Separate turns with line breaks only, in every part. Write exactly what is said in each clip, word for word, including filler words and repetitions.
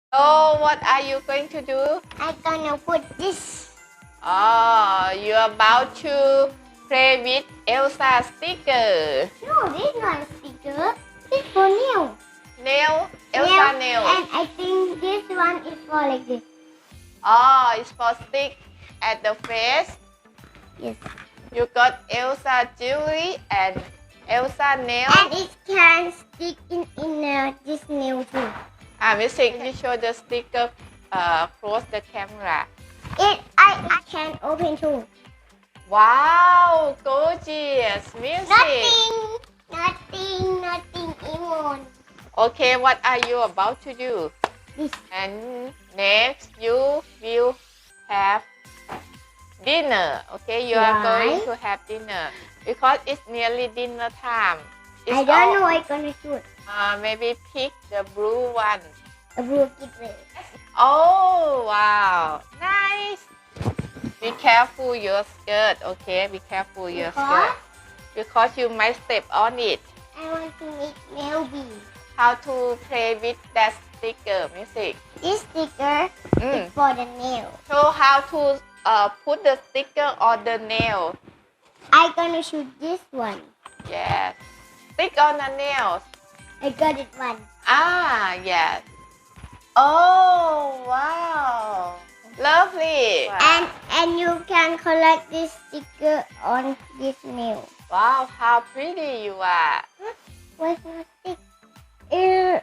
So what are you going to do?
I'm gonna put this.
Oh, you're about to play with Elsa sticker.
No, this is not a sticker. It's for nail.
Nail? Elsa nail.
And I think this one is for like this.
Oh, it's for stick at the face.
Yes.
You got Elsa jewelry and Elsa nail.
And it can stick in in uh, this nail too.
Ah, music, can you show the sticker uh, close the camera?
It I I can open too.
Wow, gorgeous music.
Nothing, nothing, nothing even.
Okay, what are you about to do?
This.
And next you will have dinner. Okay, you are
Why?
going to have dinner because it's nearly dinner time. It's
I don't
all,
know what I'm gonna shoot.
Uh, maybe pick the blue one.
A blue kid.
Oh wow, nice. Be careful your skirt. Okay, be careful your
Because?
skirt because you might step on it.
I want to make nail beads.
How to play with that sticker, music?
This sticker
Mm.
is for the nail.
So how to uh, put the sticker on the nail?
I'm gonna shoot this one.
Yes. Stick on the nails.
I got it one.
Ah, yes. Oh, wow. Lovely.
And and you can collect this sticker on this nail.
Wow, how pretty you are.
Where's my stick? Uh,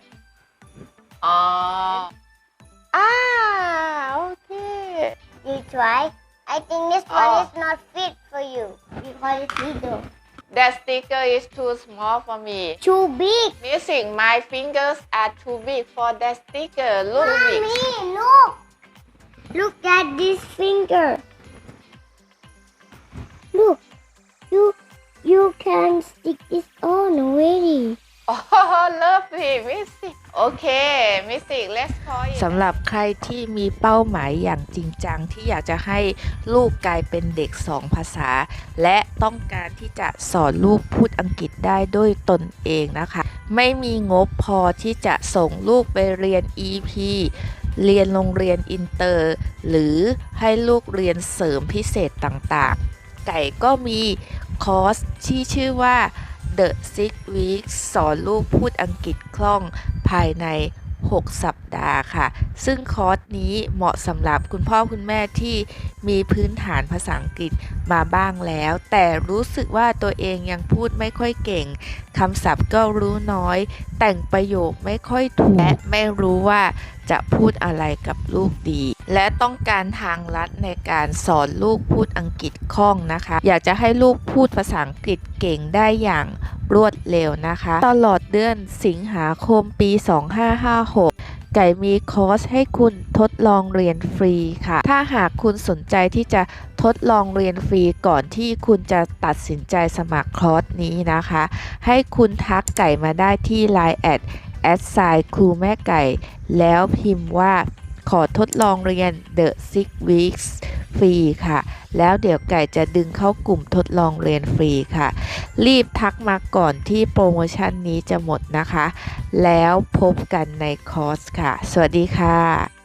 Oh. Ah, okay.
you try? I think this one
Oh.
is not fit for you because it's little.
That sticker is too small for me.
Too big.
Music, my fingers are too big for that sticker. Look big.
Mommy, look. Look at this finger. Look. You you can stick this on already.
Oh, lovely, Missy. Okay, Missy, let's call it.
สำหรับใครที่มีเป้าหมายอย่างจริงจังที่อยากจะให้ลูกกลายเป็นเด็กสองภาษา และต้องการที่จะสอนลูกพูดอังกฤษได้ด้วยตนเองนะคะ ไม่มีงบพอที่จะส่งลูกไปเรียน อี พี เรียนโรงเรียนอินเตอร์ หรือให้ลูกเรียนเสริมพิเศษต่างๆ ไก่ก็มีคอร์สที่ชื่อว่า The Six Weeks สอนลูกพูดอังกฤษคล่องภายใน หก สัปดาห์ค่ะ ซึ่งคอร์สนี้เหมาะสำหรับคุณพ่อคุณแม่ที่มีพื้นฐานภาษาอังกฤษมาบ้างแล้ว แต่รู้สึกว่าตัวเองยังพูดไม่ค่อยเก่ง คำศัพท์ก็รู้น้อย แต่งประโยคไม่ค่อยถูก และไม่รู้ว่าจะพูดอะไรกับลูกดี และต้องการทางลัดในการสอนลูกพูดอังกฤษคล่องนะคะ อยากจะให้ลูกพูดภาษาอังกฤษเก่งได้อย่างรวดเร็วนะคะ ตลอดเดือนสิงหาคมปี สองพันห้าร้อยห้าสิบหก ไก่มีคอร์สให้คุณทดลองเรียนฟรีค่ะ ถ้าหากคุณสนใจที่จะทดลองเรียนฟรีก่อนที่คุณจะตัดสินใจสมัครคอร์สนี้นะคะ ให้คุณทักไก่มาได้ที่ ไลน์ แอท แอท ไซน์ ครูแม่ไก่ แล้วพิมพ์ว่าขอทดลองเรียน The Six Weeks ฟรีค่ะ แล้วเดี๋ยวไก่จะดึงเข้ากลุ่มทดลองเรียนฟรีค่ะ รีบทักมาก่อนที่โปรโมชั่นนี้จะหมดนะคะ แล้วพบกันในคอร์สค่ะ สวัสดีค่ะ